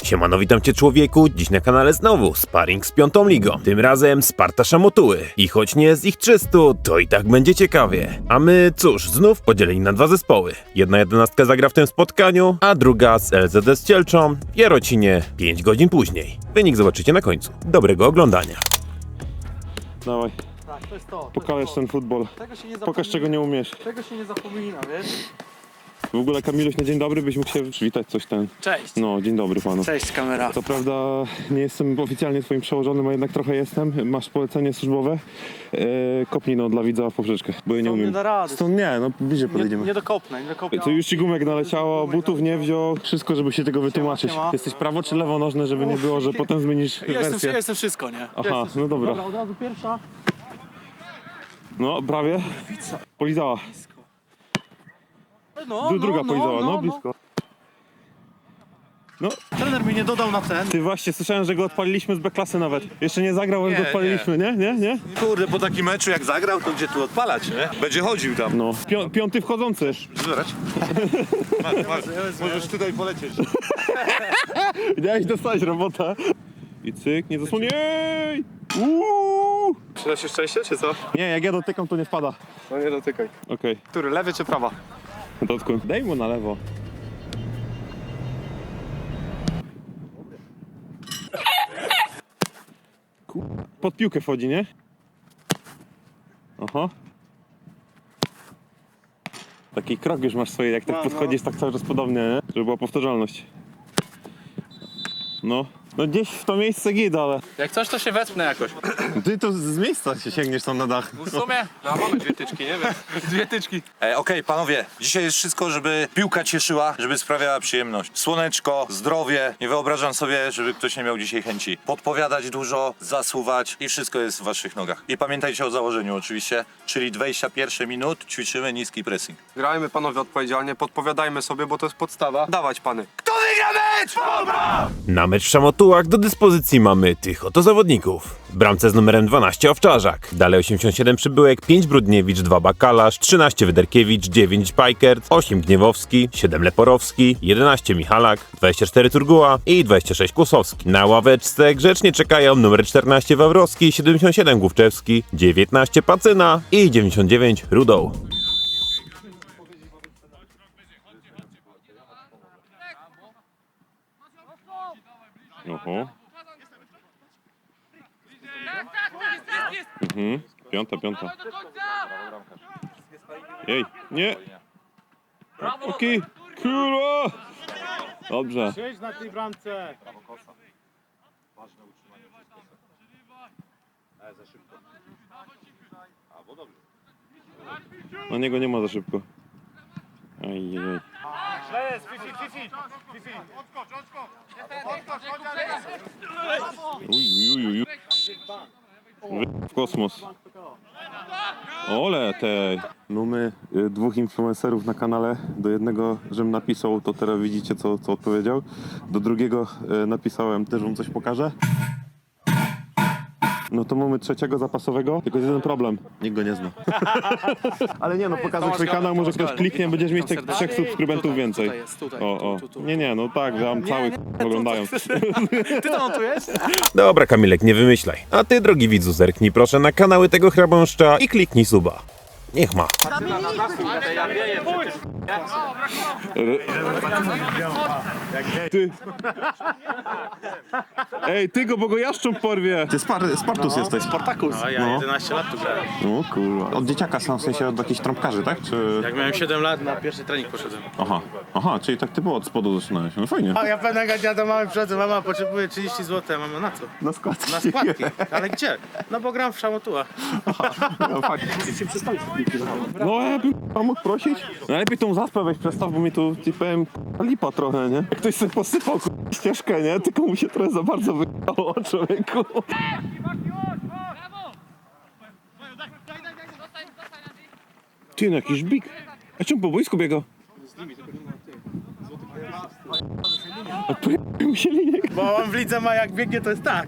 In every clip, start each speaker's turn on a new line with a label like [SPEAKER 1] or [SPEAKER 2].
[SPEAKER 1] Siemano, witam cię człowieku, dziś na kanale znowu sparring z piątą ligą. Tym razem Sparta Szamotuły. I choć nie jest ich 300, to i tak będzie ciekawie. A my, cóż, znów podzieleni na dwa zespoły. Jedna jedenastka zagra w tym spotkaniu, a druga z LZD z Cielczą w Jarocinie 5 godzin później. Wynik zobaczycie na końcu. Dobrego oglądania.
[SPEAKER 2] Dawaj,
[SPEAKER 3] Tak, to jest to.
[SPEAKER 2] pokaż ten futbol.
[SPEAKER 3] Tego się nie
[SPEAKER 2] Pokaż, czego nie umiesz.
[SPEAKER 3] Tego się nie zapomina, wiesz?
[SPEAKER 2] W ogóle Kamiluś, na dzień dobry byś mógł się przywitać coś ten.
[SPEAKER 3] Cześć.
[SPEAKER 2] No, dzień dobry panu.
[SPEAKER 3] Cześć kamera.
[SPEAKER 2] Co prawda nie jestem oficjalnie twoim przełożonym, a jednak trochę jestem. Masz polecenie służbowe. Kopnij no dla widza w poprzeczkę, bo ja nie umiem.
[SPEAKER 3] Nie da rady.
[SPEAKER 2] Stąd nie, no bliżej
[SPEAKER 3] Nie
[SPEAKER 2] podejdziemy.
[SPEAKER 3] dokopnę, nie dokopnę.
[SPEAKER 2] To już ci gumek naleciało, butów nie wziął, wszystko, żeby się tego wytłumaczyć.
[SPEAKER 3] siema.
[SPEAKER 2] Jesteś prawo czy lewonożny, żeby nie było, że potem zmienisz
[SPEAKER 3] Ja
[SPEAKER 2] wersję.
[SPEAKER 3] jestem wszystko, nie?
[SPEAKER 2] Aha, no dobra.
[SPEAKER 3] Dobra, od razu pierwsza.
[SPEAKER 2] No, prawie. Polizała. Druga polizała, no blisko. No,
[SPEAKER 3] Trener mi nie dodał na ten.
[SPEAKER 2] ty właśnie, słyszałem, że go odpaliliśmy z B-klasy nawet. Jeszcze nie zagrał, ale
[SPEAKER 4] Nie,
[SPEAKER 2] go odpaliliśmy, nie?
[SPEAKER 4] Kurde, po takim meczu jak zagrał, to gdzie tu odpalać, nie? Będzie chodził tam.
[SPEAKER 2] No. Piąty wchodzący.
[SPEAKER 4] Zbierać? Możesz tutaj polecieć.
[SPEAKER 2] Miałeś dostać robota. I cyk, nie zasłoniej! Uuu!
[SPEAKER 4] Przyda się szczęście, czy co?
[SPEAKER 2] Nie, jak ja dotykam, to nie wpada.
[SPEAKER 4] No nie dotykaj.
[SPEAKER 2] Okej.
[SPEAKER 4] Który, lewy czy prawa?
[SPEAKER 2] Dotku. Daj mu na lewo. Pod piłkę wchodzi, nie? Aha. Taki krok już masz swoje, jak tak podchodzisz, tak cały czas podobnie, nie? Żeby była powtarzalność. No. No gdzieś w to miejsce gida, ale...
[SPEAKER 5] Jak coś, to się wespnę jakoś.
[SPEAKER 2] Ty to z miejsca się sięgniesz tam na dach.
[SPEAKER 5] W sumie, no mamy dwie tyczki, nie wiem. Dwie tyczki.
[SPEAKER 4] Okej, panowie, dzisiaj jest wszystko, żeby piłka cieszyła, żeby sprawiała przyjemność. Słoneczko, zdrowie. Nie wyobrażam sobie, żeby ktoś nie miał dzisiaj chęci podpowiadać dużo, zasuwać i wszystko jest w waszych nogach. I pamiętajcie o założeniu oczywiście, czyli 21 minut ćwiczymy niski pressing.
[SPEAKER 6] Grajmy panowie odpowiedzialnie, podpowiadajmy sobie, bo to jest podstawa. Dawać pany.
[SPEAKER 4] Kto wygra mecz?
[SPEAKER 1] Na mecz w Szamotułach do dyspozycji mamy tych oto zawodników. W bramce z numerem 12 Owczarzak, dalej 87 Przybyłek, 5 Brudniewicz, 2 Bakalarz, 13 Wyderkiewicz, 9 Pajkert, 8 Gniewowski, 7 Leporowski, 11 Michalak, 24 Turguła i 26 Kłosowski. Na ławeczce grzecznie czekają numer 14 Wawrowski, 77 Główczewski, 19 Pacyna i 99 Rudoł.
[SPEAKER 2] Oho. Piąta. Jej, nie! Okej, kurwa! Dobrze.
[SPEAKER 3] Siedź na tej bramce.
[SPEAKER 2] Na niego nie ma za szybko. Ajajaj. Uj. W kosmos. Ole tej. No my dwóch influencerów na kanale. Do jednego, żebym napisał, to teraz widzicie co odpowiedział. Do drugiego napisałem, też wam coś pokażę. No to mamy trzeciego zapasowego, tylko jest jeden problem. Nikt go nie zna. Ale nie no, pokazuj swój kanał, może ktoś kliknie, będziesz mieć tych 3 subskrybentów więcej.
[SPEAKER 3] Tutaj jest, tutaj.
[SPEAKER 2] O.
[SPEAKER 3] Tu.
[SPEAKER 2] Nie, no tak, że tam cały oglądają.
[SPEAKER 3] Ty to montujesz?
[SPEAKER 1] Dobra Kamilek, nie wymyślaj. A ty drogi widzu zerknij proszę na kanały tego chrabąszcza i kliknij suba. Niech ma.
[SPEAKER 2] Ty. Ej, ty go, bo go jaszcząb porwie.
[SPEAKER 7] Ty Spartus jesteś.
[SPEAKER 5] Spartakus. A ja 11 lat tu grałem.
[SPEAKER 2] O kurwa.
[SPEAKER 7] Od dzieciaka są, w sensie od jakichś trąbkarzy, tak? Czy...
[SPEAKER 5] Jak miałem 7 lat, na pierwszy trening poszedłem.
[SPEAKER 2] Aha, czyli tak typowo od spodu zaczynałeś. No fajnie.
[SPEAKER 5] A ja pewnego dnia do mamy przychodzę, mama potrzebuje 30 zł, a mama na co?
[SPEAKER 7] Na składki.
[SPEAKER 5] Na składki. Ale gdzie? No bo gram w Szamotułach.
[SPEAKER 2] No ja bym mógł prosić. Najlepiej tą zaspę weź przestaw, bo mi tu ci powiem lipa trochę, nie? Jak ktoś sobie posypał ścieżkę, nie? Tylko mu się trochę za bardzo wyjechało, człowieku. Ty, no jakiś bik. A czemu po boisku biegał? A pojechał się linię.
[SPEAKER 5] Bo on w lidze ma jak biegnie, to jest tak.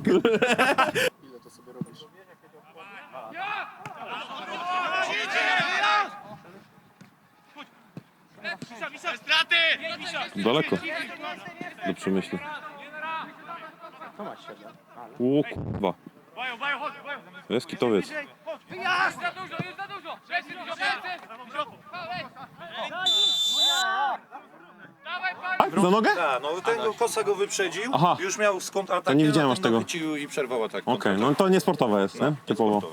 [SPEAKER 2] Daleko. Do przemyślenia. O kurwa. Jest kitowiec. Tak, za nogę?
[SPEAKER 4] Tak, no ten Kosa go wyprzedził,
[SPEAKER 2] Aha.
[SPEAKER 4] już miał skąd atak.
[SPEAKER 2] To nie widziałem aż tego.
[SPEAKER 4] Chwycił i przerwał atak.
[SPEAKER 2] Okej, no to nie sportowe jest, nie? Typowo.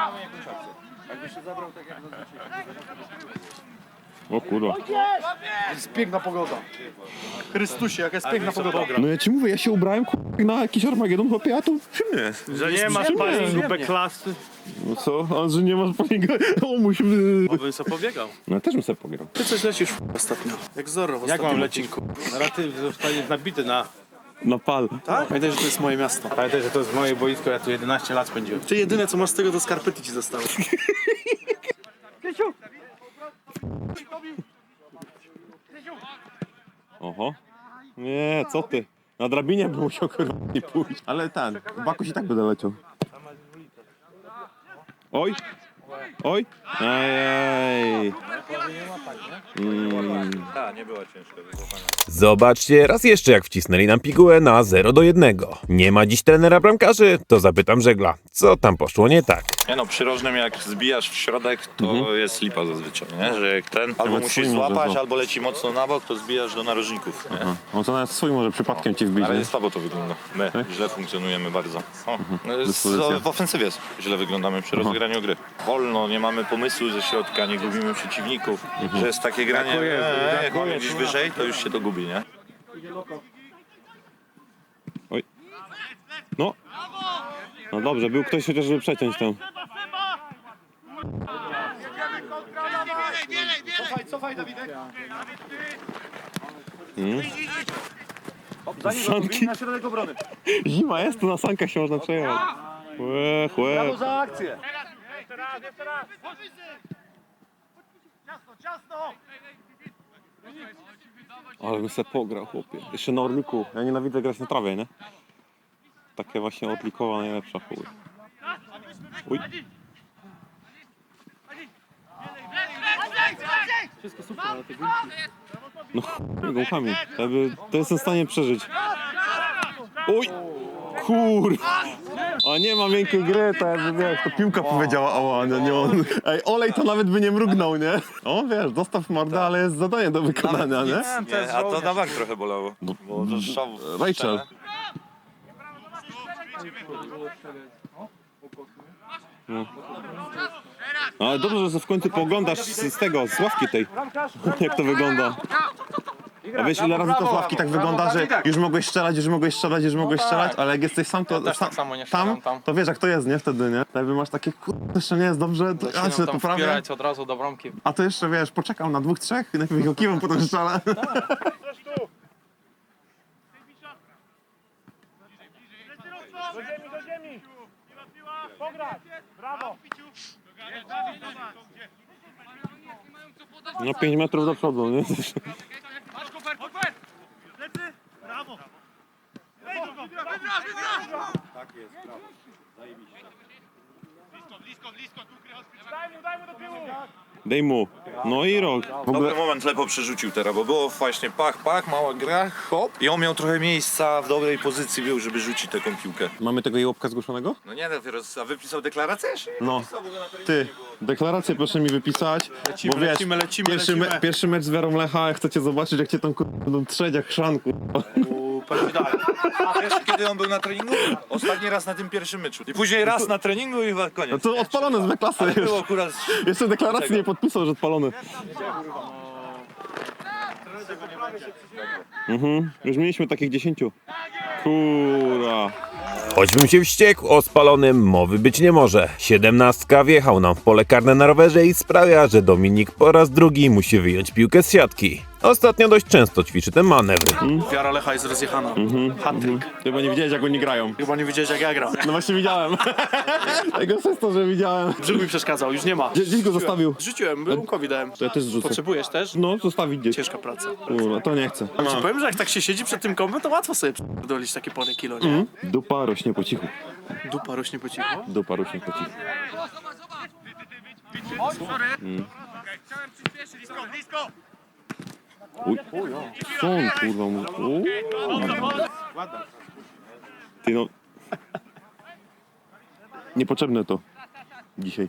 [SPEAKER 2] O kurwa.
[SPEAKER 3] Jest piękna pogoda. Chrystusie, jaka jest piękna pogoda.
[SPEAKER 2] No ja ci mówię, ja się ubrałem na jakiś Armagedon, chłopie, a to czym jest?
[SPEAKER 5] Że nie masz paringu B-klasy.
[SPEAKER 2] No co? A że nie masz palinga? O, musimy...
[SPEAKER 5] Bym sobie pobiegał.
[SPEAKER 2] No ja też bym sobie pograł.
[SPEAKER 5] Ty coś lecisz ostatnio. Jak Zorro w ostatnim odcinku. Ty zostaniesz nabity na...
[SPEAKER 2] Na pal.
[SPEAKER 5] Tak? Pamiętaj, że to jest moje miasto. Pamiętaj, że to jest moje boisko, ja tu 11 lat spędziłem. Ty jedyne co masz z tego to skarpety ci zostały.
[SPEAKER 2] Oho. Nie, co ty? Na drabinie bym musiał kurwa nie pójść. Ale ten, Bakuś i tak będę leciał. Oj! Oj! Ajaj!
[SPEAKER 4] Tak, nie była ciężka wyzwania.
[SPEAKER 1] Zobaczcie raz jeszcze, jak wcisnęli nam pigułę na 0-1. Nie ma dziś trenera bramkarzy, to zapytam żegla, co tam poszło nie tak.
[SPEAKER 4] Nie no, przy rożnym jak zbijasz w środek, to jest lipa zazwyczaj, nie? Że jak ten albo
[SPEAKER 2] Nawet
[SPEAKER 4] musisz
[SPEAKER 2] swój może,
[SPEAKER 4] złapać,
[SPEAKER 2] no.
[SPEAKER 4] albo leci mocno na bok, to zbijasz do narożników, nie?
[SPEAKER 2] On to nawet swój może przypadkiem ci wbić,
[SPEAKER 4] Ale
[SPEAKER 2] nie?
[SPEAKER 4] słabo to wygląda. My źle funkcjonujemy bardzo. O,
[SPEAKER 2] Dyspozycja.
[SPEAKER 4] w ofensywie źle wyglądamy przy rozegraniu gry. Wolno, nie mamy pomysłu ze środka, nie gubimy przeciwników. Że jest takie granie, jak mamy gdzieś wyżej, to już się to gubi, nie?
[SPEAKER 2] Oj. No. No dobrze, był ktoś chociaż, żeby przeciąć tam.
[SPEAKER 3] Cofaj, Dawidek.
[SPEAKER 2] Sanki.
[SPEAKER 3] Na środek obrony.
[SPEAKER 2] Zima jest, to na sankach się można przejechać. Łe, łe.
[SPEAKER 3] Brawo za akcję.
[SPEAKER 2] Ale bym se pograł, chłopie. Jeszcze na Orliku. Ja nienawidzę grać na trawie, nie? Takie właśnie Orlikowa najlepsza, chuj. Uj. No chuj, gąkami. To jestem w stanie przeżyć. Uj! Kur... A nie ma miękkiej gry, to jakby wiesz, to piłka powiedziała ała, nie on. Ej, Olej to nawet by nie mrugnął, nie? O wiesz, dostaw mordę, ale jest zadanie do wykonania, nie?
[SPEAKER 4] Nie, a to na bank trochę bolało. Bo to strzał w
[SPEAKER 2] Rachel.
[SPEAKER 4] strzelę.
[SPEAKER 2] No, ale dobrze, że w końcu pooglądasz z tego, z ławki tej, jak to wygląda. A wiesz, ile razy to z ławki tak wygląda, że już mogłeś strzelać, ale jak jesteś sam, to
[SPEAKER 6] tak samo nie
[SPEAKER 2] tam,
[SPEAKER 6] strzelam tam.
[SPEAKER 2] to wiesz jak to jest, nie? Wtedy, nie? Jakby masz takie, kurde, jeszcze nie jest dobrze, to ja się
[SPEAKER 6] tam
[SPEAKER 2] poprawię.
[SPEAKER 6] wpierać od razu do bramki.
[SPEAKER 2] A to jeszcze, wiesz, poczekam na 2-3, najpierw go kiwam, potem strzelę. No 5 metrów do przodu, nie? Dej mu. No i rok. W ogóle
[SPEAKER 4] Dobry moment Lepo przerzucił teraz, bo było właśnie pach, mała gra, hop. I on miał trochę miejsca, w dobrej pozycji był, żeby rzucić taką piłkę.
[SPEAKER 2] mamy tego jełopka zgłoszonego?
[SPEAKER 4] No nie, dopiero, a wypisał deklarację jeszcze?
[SPEAKER 2] No. Ty, deklarację proszę mi wypisać, bo wiesz,
[SPEAKER 5] lecimy.
[SPEAKER 2] pierwszy mecz z Werą Lecha, jak chcecie zobaczyć, jak cię tam będą trzeć jak szranku.
[SPEAKER 4] A wiesz, kiedy on był na treningu? Ostatni raz na tym pierwszym meczu. I później raz na treningu i chyba
[SPEAKER 2] No
[SPEAKER 4] koniec.
[SPEAKER 2] to odpalone z B-klasy już.
[SPEAKER 4] Było akurat...
[SPEAKER 2] Jeszcze deklaracji nie podpisał, że odpalony. Już mieliśmy takich 10. Kura.
[SPEAKER 1] Choćbym się wściekł, o spalonym mowy być nie może. 17 wjechał nam w pole karne na rowerze i sprawia, że Dominik po raz drugi musi wyjąć piłkę z siatki. Ostatnio dość często ćwiczy te manewry.
[SPEAKER 5] Wiara Lecha jest rozjechana. Hat-trick.
[SPEAKER 2] Chyba nie widziałeś, jak oni grają.
[SPEAKER 5] Chyba nie widziałeś jak ja gram.
[SPEAKER 2] No właśnie widziałem. Tego jest to, że widziałem.
[SPEAKER 5] Brzuch mi przeszkadzał, już nie ma.
[SPEAKER 2] Gdzieś go zostawił.
[SPEAKER 5] Rzuciłem, Rumkowi dałem.
[SPEAKER 2] To ja też zrzucę.
[SPEAKER 5] Potrzebujesz też?
[SPEAKER 2] No, zostawić gdzieś.
[SPEAKER 5] Ciężka praca.
[SPEAKER 2] Kurwa, to nie chcę.
[SPEAKER 5] Ci powiem, że jak tak się siedzi przed tym kompem, to łatwo sobie dolić takie parę kilo, nie?
[SPEAKER 2] Dupa rośnie po cichu.
[SPEAKER 5] Dupa rośnie po cichu.
[SPEAKER 2] Dupa rośnie po cichu. Uj. Co on kurwa mówi? Ty no... Niepotrzebne to dzisiaj.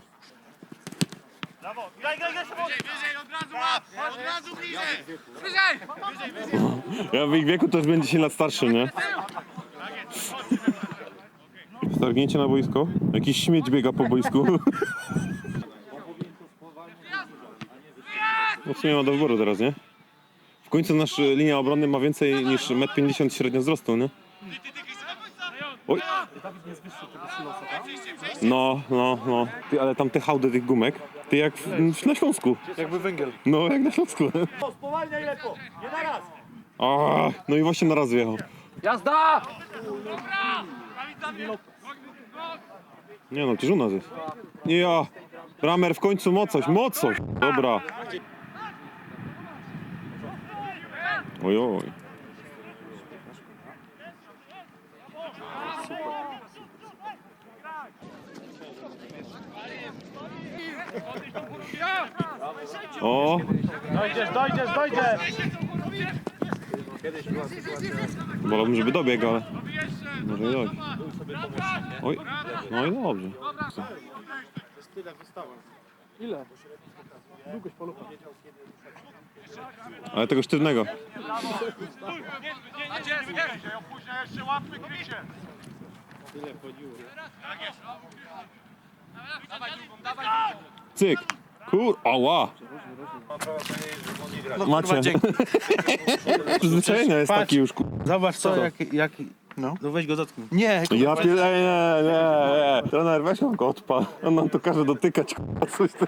[SPEAKER 2] Ja w ich wieku to już będzie 10 lat starszy, nie? Stargnięcie na boisko? Jakiś śmieć biega po boisku. No w sumie ma do wyboru teraz, nie? W końcu nasza linia obrony ma więcej niż 1,50 m średnio wzrostu, nie? Oj. No. Ty, ale tam te hałdy tych gumek, ty jak na Śląsku.
[SPEAKER 3] Jakby węgiel.
[SPEAKER 2] No, jak na Śląsku.
[SPEAKER 3] Spowalniaj lekko, nie naraz.
[SPEAKER 2] No i właśnie na raz wjechał.
[SPEAKER 3] Jazda!
[SPEAKER 2] Nie no, to u nas jest. Nie ja. Bramer w końcu mocoś. Dobra. Ojoj. O,
[SPEAKER 3] Dojdziesz!
[SPEAKER 2] wolałbym, żeby dobiegł, ale... Może i dojść. Oj, no i dobrze.
[SPEAKER 3] Ile? Długość polucha.
[SPEAKER 2] Ale tego sztywnego. Cyk. Ała. Macie. Przyzwyczajenia jest taki już.
[SPEAKER 5] Zobacz co, jaki... No. No weź go dotknij. Nie,
[SPEAKER 2] Ja nie. Trener, weź go odpal. On nam to każe dotykać, coś ty.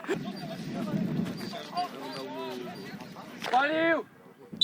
[SPEAKER 3] Palił!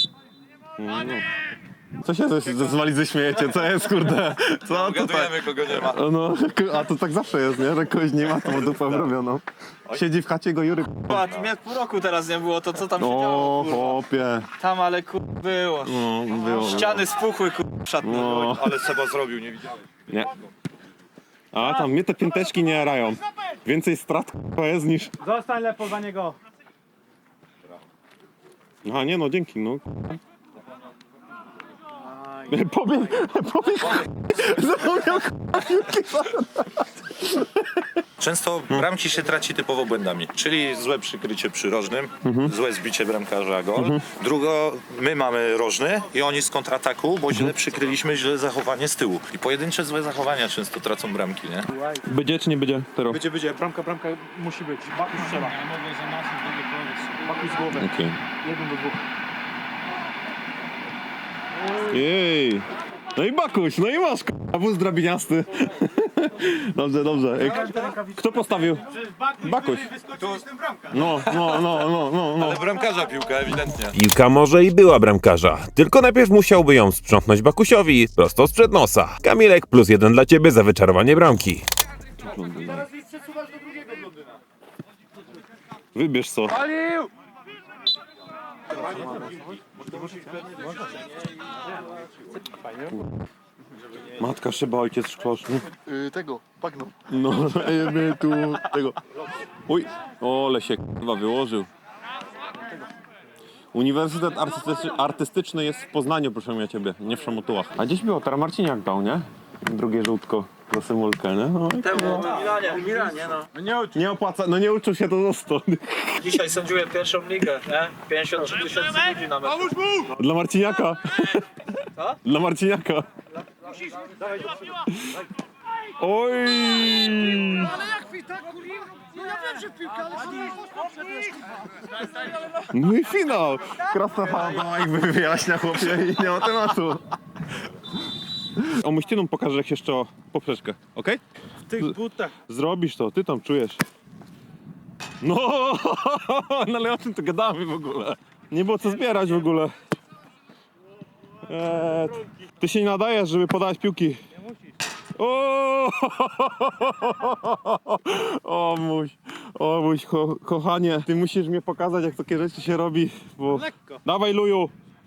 [SPEAKER 2] Co się z walizy śmiejecie? Co jest, kurde? Co to tak?
[SPEAKER 4] Gadujemy, kogo nie ma.
[SPEAKER 2] No, a to tak zawsze jest, nie? Że kogoś nie ma, to ma dupę robioną. Siedzi w chacie go Jury.
[SPEAKER 8] Patrz, mnie pół roku teraz nie było, to co tam się
[SPEAKER 2] O,
[SPEAKER 8] działo, kurwa.
[SPEAKER 2] chłopie.
[SPEAKER 8] Tam ale było.
[SPEAKER 2] No, było.
[SPEAKER 8] Ściany spuchły, w szatni.
[SPEAKER 2] No,
[SPEAKER 4] Ale Seba zrobił, nie widziałem.
[SPEAKER 2] nie. A tam mnie te pięteczki nie jarają. Więcej strat jest niż...
[SPEAKER 3] Zostań lepo za niego.
[SPEAKER 2] A nie no, dzięki, no. Pobiegł. Zapomniał
[SPEAKER 4] Często bramki się traci typowo błędami, czyli złe przykrycie przy rożnym, złe zbicie bramkarza gol. Drugo, my mamy rożny i oni z kontrataku, bo źle przykryliśmy, źle zachowanie z tyłu. I pojedyncze złe zachowania często tracą bramki, nie?
[SPEAKER 2] Będzie czy nie będzie? Teraz.
[SPEAKER 3] Będzie. Bramka musi być. Bakuś strzela. Bakuś z głowy.
[SPEAKER 2] Okej.
[SPEAKER 3] 1 do 2.
[SPEAKER 2] Jej. No i Bakuś, no i masz wóz drabiniasty. Dobrze. Ej, kto postawił? Bakuś. No.
[SPEAKER 4] Ale bramkarza piłka, ewidentnie.
[SPEAKER 1] Piłka może i była bramkarza, tylko najpierw musiałby ją sprzątnąć Bakusiowi prosto sprzed nosa. Kamilek +1 dla ciebie za wyczarowanie bramki.
[SPEAKER 3] Teraz ich przesuwasz do drugiego blondyna.
[SPEAKER 2] Wybierz co.
[SPEAKER 3] Palił!
[SPEAKER 2] Matka szyba, ojciec szkloszny.
[SPEAKER 3] Tego, bagno.
[SPEAKER 2] No, jemy tu tego. Oj, ole się k***wa wyłożył. Uniwersytet Artystyczny jest w Poznaniu, proszę ja ciebie, nie w Szamotułach. A gdzieś było, teraz Marciniak dał, nie? Drugie żółtko za symulkę, nie? No,
[SPEAKER 8] W Milanie, no.
[SPEAKER 2] nie opłaca, no nie uczył się to został.
[SPEAKER 8] Dzisiaj sędziuję pierwszą ligę, nie? 53 000 ludzi na meczu.
[SPEAKER 2] Dla Marciniaka.
[SPEAKER 8] Co?
[SPEAKER 2] Dla Marciniaka. Oj!
[SPEAKER 3] Ale jak mi tak kurwa? No ja wiem, że piłka, ale
[SPEAKER 2] No i finał! Krasnofada, jakby wyjaśnia chłopie i nie ma tematu. Omuściną pokażę jak jeszcze o poprzeczkę, okej?
[SPEAKER 5] W tych butach.
[SPEAKER 2] Zrobisz to, ty tam czujesz. No, no ale o czym to gadamy w ogóle? Nie było co zbierać w ogóle. Ty się nie nadajesz, żeby podać piłki. O mój kochanie, ty musisz mnie pokazać jak takie rzeczy się robi, bo...
[SPEAKER 3] Lekko.
[SPEAKER 2] Dawaj luju!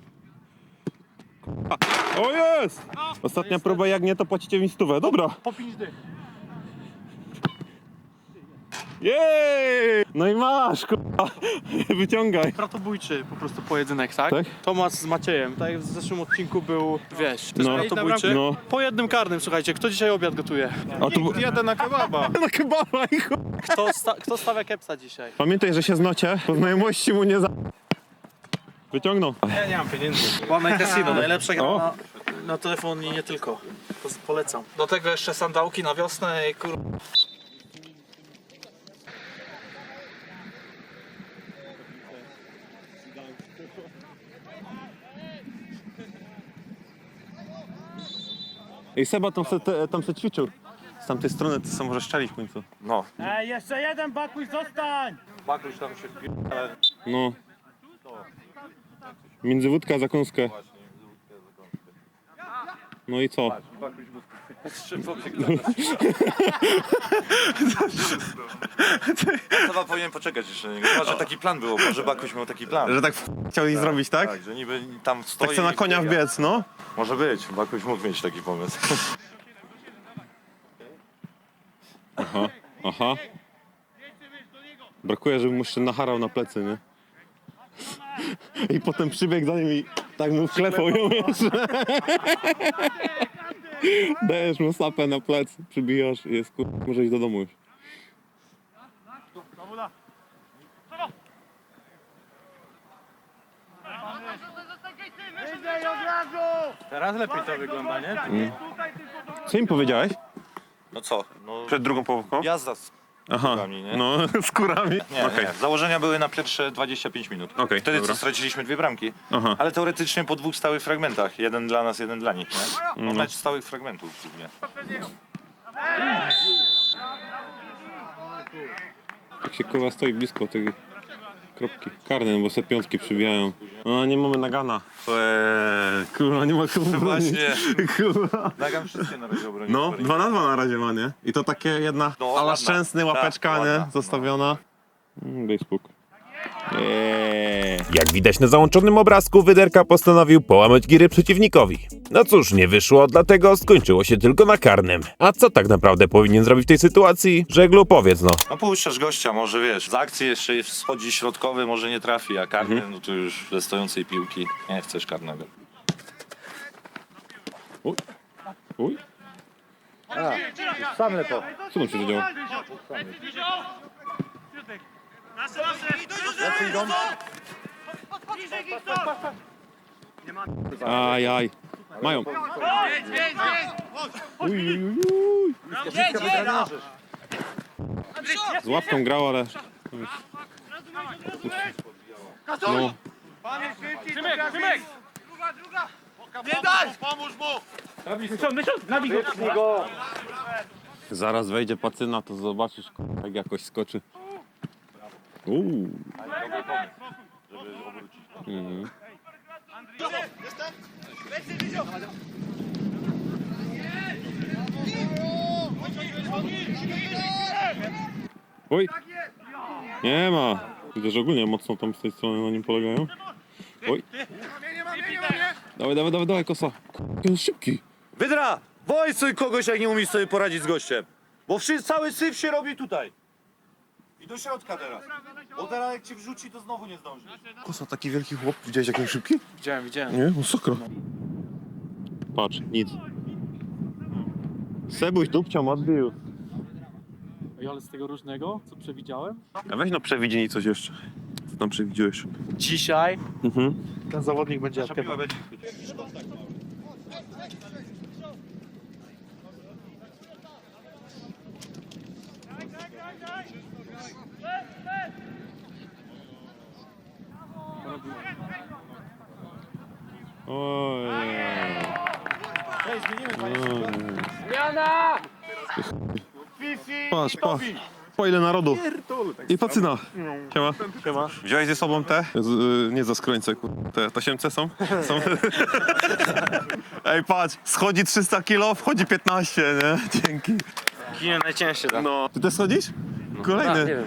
[SPEAKER 2] O jest! Ostatnia próba, jak nie to płacicie mi 100. Dobra.
[SPEAKER 3] Po 5 dych.
[SPEAKER 2] Jej! No i masz, kurwa. Wyciągaj.
[SPEAKER 3] Bratobójczy po prostu pojedynek, tak?
[SPEAKER 2] Tak?
[SPEAKER 3] Tomasz z Maciejem, tak jak w zeszłym odcinku był, wiesz, też
[SPEAKER 2] No.
[SPEAKER 3] bratobójczy.
[SPEAKER 2] No.
[SPEAKER 3] Po jednym karnym, słuchajcie, kto dzisiaj obiad gotuje?
[SPEAKER 2] A tu...
[SPEAKER 5] Jadę na kebaba.
[SPEAKER 2] Na kebaba i chuj.
[SPEAKER 3] Kto stawia kepsa dzisiaj?
[SPEAKER 2] Pamiętaj, że się znocie, po znajomości mu nie za... Wyciągnął.
[SPEAKER 5] Ja nie mam pieniędzy.
[SPEAKER 3] One Casino, najlepsza gra
[SPEAKER 2] O.
[SPEAKER 3] na telefon i nie tylko. Polecam.
[SPEAKER 8] Do tego jeszcze sandałki na wiosnę i kur...
[SPEAKER 2] Ej, Seba tam se ćwiczył. Z tamtej strony to są może szczeli w końcu.
[SPEAKER 4] No.
[SPEAKER 3] Jeszcze jeden bakuś, zostań!
[SPEAKER 5] Bakruś tam się
[SPEAKER 2] No. Między wódkę a zakąskę. No i co?
[SPEAKER 4] Chyba powinien poczekać jeszcze na niego. Chyba, że taki plan był, może Bakuś miał taki plan.
[SPEAKER 2] Że tak chciał ich zrobić, tak?
[SPEAKER 4] Tak, że niby tam stoi
[SPEAKER 2] Tak chce na
[SPEAKER 4] i
[SPEAKER 2] konia
[SPEAKER 4] biega.
[SPEAKER 2] wbiec, no.
[SPEAKER 4] Może być, Bakuś mógł mieć taki pomysł.
[SPEAKER 2] Aha. Brakuje, żeby mu jeszcze nacharał na plecy, nie? I potem przybiegł za nim i tak mu wklepał ją jeszcze. Dajesz mu sapę na plecy, przybijasz i jest może iść do domu już.
[SPEAKER 3] Teraz lepiej to wygląda, nie?
[SPEAKER 2] Co im powiedziałeś
[SPEAKER 4] No co? No,
[SPEAKER 2] przed drugą połówką?
[SPEAKER 4] jazda z
[SPEAKER 2] Aha,
[SPEAKER 4] kurami, nie?
[SPEAKER 2] no z kurami.
[SPEAKER 4] Nie,
[SPEAKER 2] Okej.
[SPEAKER 4] nie. Założenia były na pierwsze 25 minut.
[SPEAKER 2] Okej,
[SPEAKER 4] Wtedy
[SPEAKER 2] dobra.
[SPEAKER 4] co straciliśmy 2 bramki.
[SPEAKER 2] Aha.
[SPEAKER 4] Ale teoretycznie po 2 stałych fragmentach. Jeden dla nas, jeden dla nich, nie? No, mecz stałych fragmentów głównie.
[SPEAKER 2] Jak się kurwa stoi blisko tej kropki. Karne, bo se piątki przybijają. No nie mamy nagana. Kurwa, nie ma komu bronić.
[SPEAKER 4] Właśnie.
[SPEAKER 2] Kurwa.
[SPEAKER 4] Nagam wszystkie na razie obronić.
[SPEAKER 2] No, 2 na 2 na razie ma, nie? I to takie jedna
[SPEAKER 4] No,
[SPEAKER 2] ala
[SPEAKER 4] ładna.
[SPEAKER 2] szczęsny, łapeczka,
[SPEAKER 4] Tak,
[SPEAKER 2] nie?
[SPEAKER 4] ładna.
[SPEAKER 2] Zostawiona. Daj spokój.
[SPEAKER 1] Jak widać na załączonym obrazku, Wyderka postanowił połamać giry przeciwnikowi. No cóż, nie wyszło, dlatego skończyło się tylko na karnym. A co tak naprawdę powinien zrobić w tej sytuacji? Żeglu, powiedz no.
[SPEAKER 4] No puszczasz gościa, może wiesz, z akcji jeszcze schodzi środkowy, może nie trafi, a karny, no to już ze stojącej piłki nie chcesz karnego.
[SPEAKER 2] Uj.
[SPEAKER 8] Sam lepo.
[SPEAKER 2] Co tam się zadziało? Ajaj. Mają. Uj, uj, uj, uj. Z łapką grał, ale... No. Zaraz wejdzie pacyna, to zobaczysz, jak jakoś skoczy. Mhm. Oj! Nie ma! Widzę, że ogólnie mocno tam z tej strony na nim polegają. Oj! Dawaj, dawaj, dawaj, dawaj, kosa! Jaki on szybki!
[SPEAKER 4] Wydra! Wojsuj kogoś, jak nie umiesz sobie poradzić z gościem. Bo cały syf się robi tutaj. I do środka teraz. Bo teraz jak cię wrzuci, to znowu nie zdążysz.
[SPEAKER 2] Kosa, taki wielki chłop. Widziałeś, jak on szybki?
[SPEAKER 3] Widziałem.
[SPEAKER 2] Nie, masakra. Patrz, nic. Sebuś dupcią odbił.
[SPEAKER 3] Ale z tego różnego, co przewidziałem?
[SPEAKER 2] A weź no przewidzi coś jeszcze. Co tam przewidziałeś?
[SPEAKER 3] Dzisiaj
[SPEAKER 2] Mhm.
[SPEAKER 3] ten zawodnik będzie aktywał.
[SPEAKER 2] Oj. Patrz, pa. Po ile narodu. I pacyna. Siema. Siema. Wziąłeś ze sobą te? Nie za skrońce, te tasiemce są? Są. Ej, patrz, schodzi 300 kilo, wchodzi 15, nie? Dzięki.
[SPEAKER 5] Kinie najcięższe, tak?
[SPEAKER 2] No. Ty też schodzisz? Kolejny.
[SPEAKER 5] Nie wiem.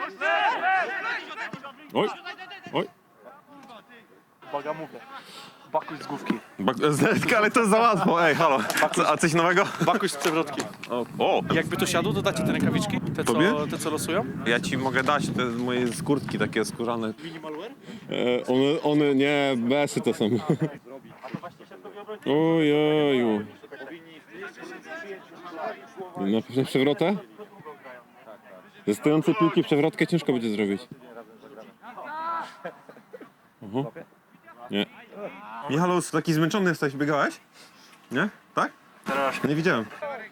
[SPEAKER 2] Oj. Oj.
[SPEAKER 3] Bakuś z główki.
[SPEAKER 2] Ale to jest za łatwo, ej, halo. A coś nowego?
[SPEAKER 3] Bakuś z przewrotki.
[SPEAKER 2] O,
[SPEAKER 3] Jakby to siadło, to dacie te rękawiczki?
[SPEAKER 2] Tobie?
[SPEAKER 3] Te co losują?
[SPEAKER 2] ja ci mogę dać te moje skórtki takie skórzane.
[SPEAKER 3] Minimalware?
[SPEAKER 2] One nie, besy to są. Ojeju. Na przewrotę? Ze stojącej piłki przewrotkę ciężko będzie zrobić. Nie. Michał, taki zmęczony jesteś, biegałeś? Nie? Tak? Nie widziałem.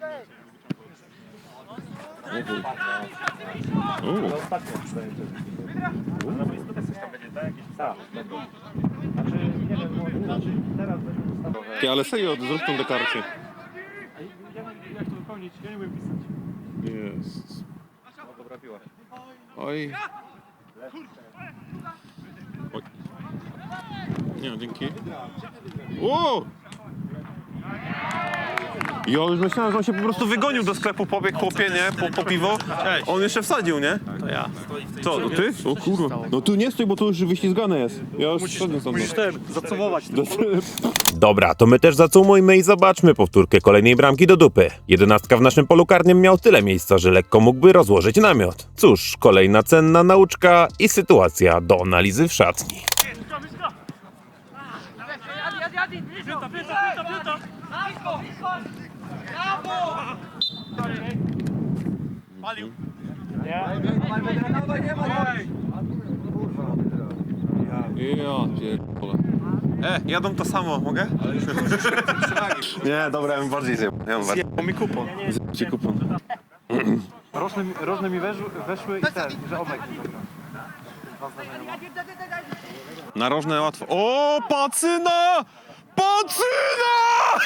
[SPEAKER 2] Ty, ale serio, zrób tą deklarację.
[SPEAKER 3] Jak to wypełnić? Ja nie umiem pisać.
[SPEAKER 2] Jest. Oj. Oj. Nie, dzięki. O! Ja już myślałem, że on się po prostu wygonił do sklepu, pobiegł chłopie, nie? Po piwo. On jeszcze wsadził, nie?
[SPEAKER 3] To ja.
[SPEAKER 2] Co, no ty? O kurwa. No tu nie stój, bo tu już wyślizgane jest. Ja już szedłem stąd.
[SPEAKER 3] Musisz zacumować.
[SPEAKER 1] Dobra, to my też zacumujmy i zobaczmy powtórkę kolejnej bramki do dupy. 11 w naszym polu karnym miał tyle miejsca, że lekko mógłby rozłożyć namiot. Cóż, kolejna cenna nauczka i sytuacja do analizy w szatni.
[SPEAKER 2] Ja pierdolę. Jadą to samo, mogę? Nie, dobra, ja bym bardziej zjebał. Ja bym bardziej.
[SPEAKER 3] Zjebał mi kupon.
[SPEAKER 2] Ci kupon.
[SPEAKER 3] Rożne mi weszły i że obek.
[SPEAKER 2] Narożne łatwo. O, pacyna! Pacyna!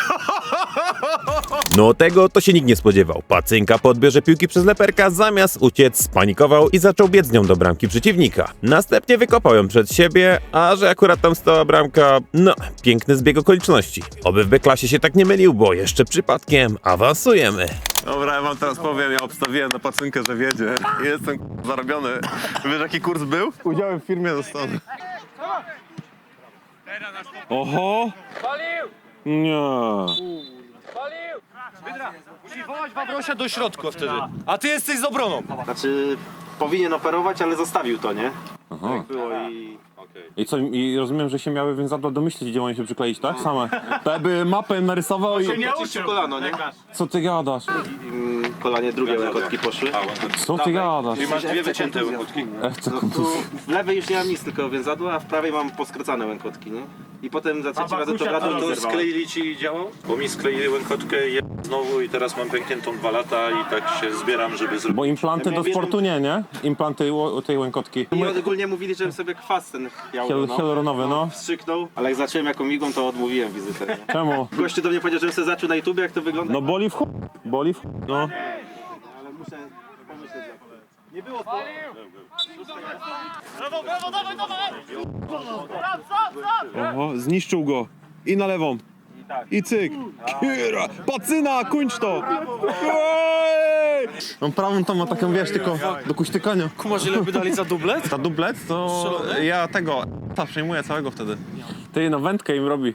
[SPEAKER 1] No tego to się nikt nie spodziewał. Pacynka po odbiorze piłki przez leperka zamiast uciec spanikował i zaczął biec z nią do bramki przeciwnika. Następnie wykopał ją przed siebie, a że akurat tam stała bramka, no, piękny zbieg okoliczności. Oby w B-klasie się tak nie mylił, bo jeszcze przypadkiem awansujemy.
[SPEAKER 2] Dobra, ja wam teraz powiem, ja obstawiłem na pacynkę, że wiedzie. Jestem zarobiony. Wiesz jaki kurs był? Udziałem w firmie zostanę. Oho! Nie.
[SPEAKER 4] Musisz wołać Wawrosia do środka wtedy. A ty jesteś z obroną.
[SPEAKER 5] Znaczy, powinien operować, ale zostawił to, nie?
[SPEAKER 2] Aha.
[SPEAKER 5] Tak było i...
[SPEAKER 2] I co, i rozumiem, że się miały więzadła domyślić, gdzie mają się przykleić, tak? Same. To by mapę narysował i...
[SPEAKER 5] Oczyścił kolano, nie?
[SPEAKER 2] Co ty gadasz?
[SPEAKER 5] Kolanie drugie łękotki poszły.
[SPEAKER 2] Co ty gadasz?
[SPEAKER 4] Masz dwie wycięte łąkotki.
[SPEAKER 5] Tu w lewej już nie mam nic, tylko więzadła, a w prawej mam poskracane łękotki, nie? I potem za trzecim razem to wracam
[SPEAKER 4] To
[SPEAKER 5] to
[SPEAKER 4] skleili ci działał? Bo mi skleili łękotkę znowu i teraz mam pękniętą 2 lata i tak się zbieram, żeby zrobić.
[SPEAKER 2] Bo implanty do sportu nie? Implanty tej łękotki.
[SPEAKER 5] I ogólnie mówili, żebym sobie kwas ten
[SPEAKER 2] Hialuronowy, no.
[SPEAKER 5] wstrzyknął, ale jak zacząłem jaką migą, to odmówiłem wizytę, nie?
[SPEAKER 2] Czemu?
[SPEAKER 5] Gościu do mnie powiedział, żebym sobie zaczął na YouTubie, jak to wygląda.
[SPEAKER 2] No boli w chuj. Boli w chuj. No.
[SPEAKER 5] Ale muszę pomyśleć. Nie było to.
[SPEAKER 2] Oho, zniszczył go. I na lewą. I cyk. Kira. Pacyna, kończ to. Ej! Mam prawą tam ma taką, wiesz, tylko do kuśtykania.
[SPEAKER 3] Kumasz, ile by dali za dublet?
[SPEAKER 2] Ta dublet to ja tego, przejmuję całego wtedy. Ty, no wędkę im robi.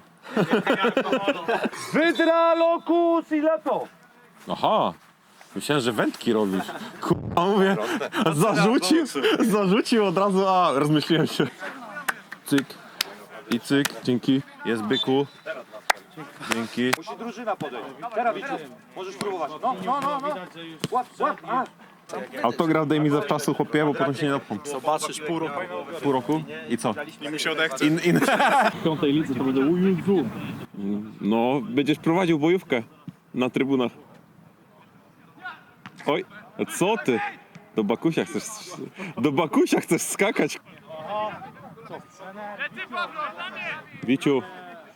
[SPEAKER 8] Wydra, lokus i lepo!
[SPEAKER 2] Aha. Myślałem, że wędki robisz. Kurwa, mówię, zarzucił od razu, a rozmyśliłem się. Cyk i cyk, dzięki. Jest byku. Dzięki.
[SPEAKER 4] Musi drużyna podejść. Teraz Wiciu, możesz próbować. No. Łap.
[SPEAKER 2] Autograf daj mi zawczasu, chłopie, bo potem się nie napom.
[SPEAKER 3] Zobaczysz pół roku.
[SPEAKER 2] Pół roku? I co?
[SPEAKER 3] I mu się odechce.
[SPEAKER 2] W piątej lidze to będę ujuzu. No, będziesz prowadził bojówkę na trybunach. Oj, a co ty? Do Bakusia chcesz skakać. Wiciu.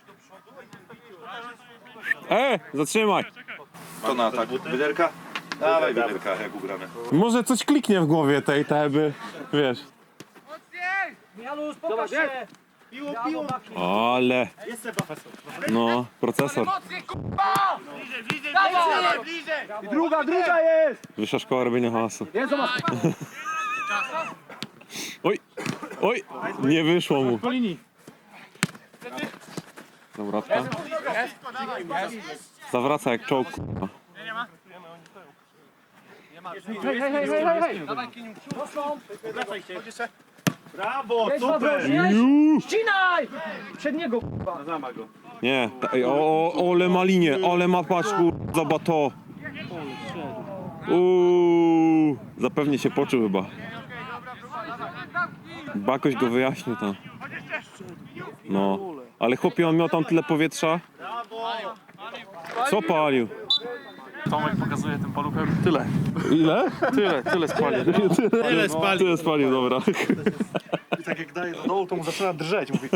[SPEAKER 2] Zatrzymaj.
[SPEAKER 4] To na tak. Wyderka? Dawaj wyderka, jak ugramy.
[SPEAKER 2] Może coś kliknie w głowie tej by, wiesz.
[SPEAKER 8] Janus, pokaż się!
[SPEAKER 2] Ale. No, procesor.
[SPEAKER 8] I druga jest!
[SPEAKER 2] Wyższa szkoła robienia hałasu. Oj, nie wyszło mu. Zawrotka. Zawraca jak czołg, kurwa.
[SPEAKER 3] Brawo, super! Ścinaj! Przed niego, kurwa.
[SPEAKER 5] Zama go.
[SPEAKER 2] Nie, ej, ole ma linię, ole ma patrz, kurwa, zobacz to. Zapewnie się poczuł chyba. Bakoś go wyjaśnił tam. No, ale chłopie, on miał tam tyle powietrza. Co palił?
[SPEAKER 3] Tomek pokazuje tym paluchem tyle.
[SPEAKER 2] Ile?
[SPEAKER 3] Tyle spalił.
[SPEAKER 2] Tyle spalił, dobra.
[SPEAKER 3] I tak jak daje do dołu, to mu zaczyna drżeć. Mówi,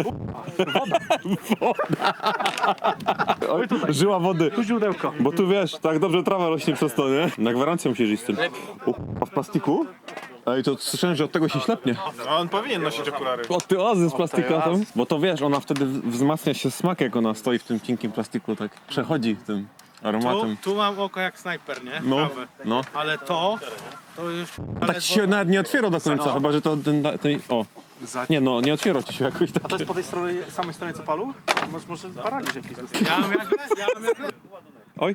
[SPEAKER 2] Żyła wody.
[SPEAKER 3] tu źródełko.
[SPEAKER 2] Bo tu wiesz, tak dobrze trawa rośnie przez to, nie? Na gwarancję musisz iść z tym. A w plastiku? Ej, to słyszałem, że od tego się ślepnie.
[SPEAKER 3] A on powinien nosić okulary.
[SPEAKER 2] Od tej oazy z plastika tam. Bo to wiesz, ona wtedy wzmacnia się smak, jak ona stoi w tym cienkim plastiku, tak przechodzi tym aromatem.
[SPEAKER 3] Tu mam oko jak snajper, nie?
[SPEAKER 2] No,
[SPEAKER 3] Prawe.
[SPEAKER 2] no.
[SPEAKER 3] Ale to już...
[SPEAKER 2] Tak ci się nawet nie otwiera do końca, chyba że to ten o. Nie no, nie otwiera ci się jakoś tak.
[SPEAKER 3] To jest po tej stronie, samej stronie co palu? Może paraliż jakiś dostać. Ja mam jak...
[SPEAKER 2] Oj.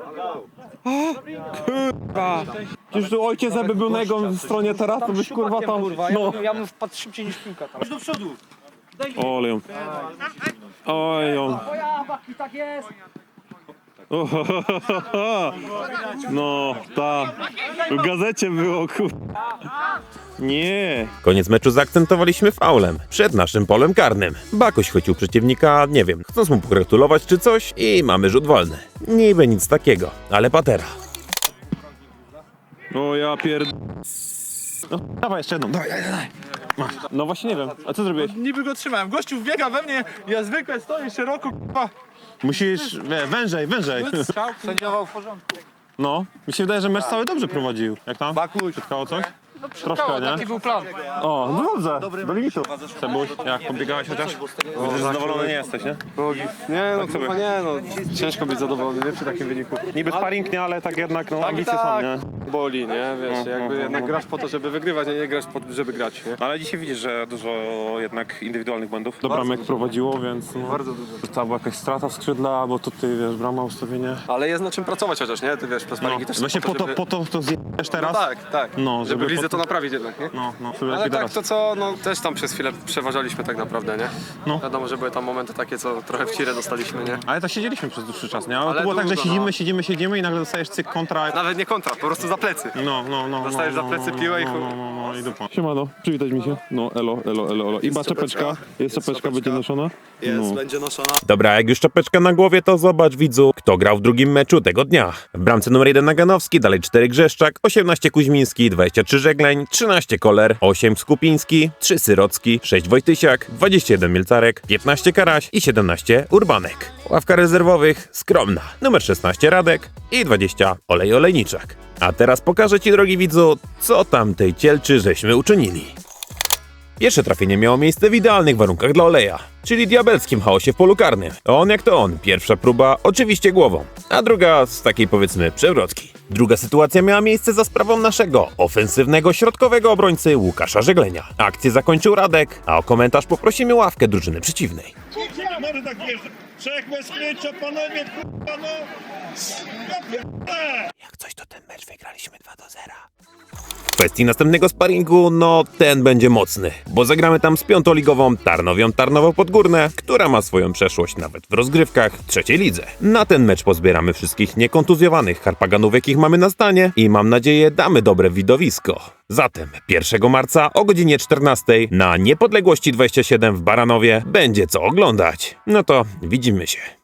[SPEAKER 2] Kurwa. Przecież tu ojciec jakby był na jego stronie teraz, to byś kurwa tam... No.
[SPEAKER 3] Ja bym wpadł szybciej niż piłka tam. Do przodu!
[SPEAKER 2] Ole ją. Oj ją.
[SPEAKER 3] Tak jest!
[SPEAKER 2] No, ta. W gazecie było, kurwa. Nie.
[SPEAKER 1] Koniec meczu zaakcentowaliśmy faulem przed naszym polem karnym. Bakoś chwycił przeciwnika, nie wiem, chcąc mu pogratulować czy coś i mamy rzut wolny. Niby nic takiego, ale patera.
[SPEAKER 2] O ja pierd... No, dawaj jeszcze jedną, dawaj. Masz. No właśnie nie wiem, a co zrobiłeś?
[SPEAKER 3] Niby go trzymałem. Gościu wbiega we mnie, ja zwykle stoję szeroko, k***a.
[SPEAKER 2] Musisz, wężej.
[SPEAKER 3] Sędziował w porządku.
[SPEAKER 2] No, mi się wydaje, że mecz cały dobrze prowadził. Jak tam?
[SPEAKER 3] Bakuś.
[SPEAKER 2] Przytkało coś? Troszkę, nie?
[SPEAKER 3] Taki był plan.
[SPEAKER 2] O, no dobrze, do limitu. Cebuś, jak pobiegałeś chociaż? Widzę, że zadowolony nie jesteś, nie?
[SPEAKER 6] Nie no, kurwa nie no. Ciężko być zadowolony, nie? Przy takim wyniku.
[SPEAKER 2] Niby sparring, nie, ale tak jednak, no, ambicje są, nie?
[SPEAKER 6] Boli, nie? Wiesz, jakby jednak grasz po to, żeby wygrywać, a nie grasz po to, żeby grać, nie?
[SPEAKER 2] Ale dzisiaj widzisz, że dużo jednak indywidualnych błędów. Do bramek prowadziło, więc no,
[SPEAKER 6] Bardzo dużo.
[SPEAKER 2] to była jakaś strata w skrzydla, bo tutaj, wiesz, brama, ustawienie.
[SPEAKER 6] Ale jest na czym pracować chociaż, nie? Ty wiesz,
[SPEAKER 2] No,
[SPEAKER 6] sparingi też są
[SPEAKER 2] właśnie po
[SPEAKER 6] żeby...
[SPEAKER 2] to zjesz teraz.
[SPEAKER 6] No tak.
[SPEAKER 2] No,
[SPEAKER 6] żeby w lidze to
[SPEAKER 2] potem-
[SPEAKER 6] naprawić jednak, nie?
[SPEAKER 2] No, sobie
[SPEAKER 6] Ale
[SPEAKER 2] lepiej
[SPEAKER 6] tak,
[SPEAKER 2] teraz.
[SPEAKER 6] to co, no też tam przez chwilę przeważaliśmy tak naprawdę, nie?
[SPEAKER 2] No.
[SPEAKER 6] Wiadomo, że były tam momenty takie, co trochę w cirę dostaliśmy, nie?
[SPEAKER 2] Ale tak siedzieliśmy przez dłuższy czas, nie? Ale
[SPEAKER 6] Ale
[SPEAKER 2] to było tak, że
[SPEAKER 6] długo,
[SPEAKER 2] siedzimy i nagle dostajesz cyk kontra.
[SPEAKER 6] Nawet nie kontra, po prostu za plecy.
[SPEAKER 2] No.
[SPEAKER 6] Dostajesz za plecy piłę i chuj.
[SPEAKER 2] No, i dupa. Siemano, przywitać mi się. No, elo. I czapeczka. Jest czapeczka, będzie noszona?
[SPEAKER 6] Jest, będzie noszona.
[SPEAKER 1] Dobra, jak już czapeczka na głowie, to zobacz, widzu, kto grał w drugim meczu tego dnia. W bramce numer 1 Naganowski, dalej 4 Grzeszczak, 18 Kuźmiński, 23 Żegleń, 13 Koller, 8 Skupiński, 3 Syrocki, 6 Wojtysiak, 21 Mielcarek, 15 Karaś i 17 Urbanek. Ławka rezerwowych skromna. Numer 16 Radek i 20 Olejniczak. A teraz pokażę ci, drogi widzu, co tamtej cielczy żeśmy uczynili. Pierwsze trafienie miało miejsce w idealnych warunkach dla Oleja, czyli diabelskim chaosie w polu karnym. On jak to on, pierwsza próba oczywiście głową, a druga z takiej powiedzmy przewrotki. Druga sytuacja miała miejsce za sprawą naszego ofensywnego środkowego obrońcy Łukasza Żeglenia. Akcję zakończył Radek, a o komentarz poprosimy ławkę drużyny przeciwnej.
[SPEAKER 9] Może tak wiesz, trzech bez krycia, panowie, k***a, no!
[SPEAKER 1] Jak coś, to ten mecz wygraliśmy 2-0. W kwestii następnego sparingu, no ten będzie mocny, bo zagramy tam z piątoligową Tarnowią Tarnowo-Podgórne, która ma swoją przeszłość nawet w rozgrywkach trzeciej lidze. Na ten mecz pozbieramy wszystkich niekontuzjowanych harpaganów, jakich mamy na stanie i mam nadzieję damy dobre widowisko. Zatem 1 marca o godzinie 14 na Niepodległości 27 w Baranowie będzie co oglądać. No to widzimy się.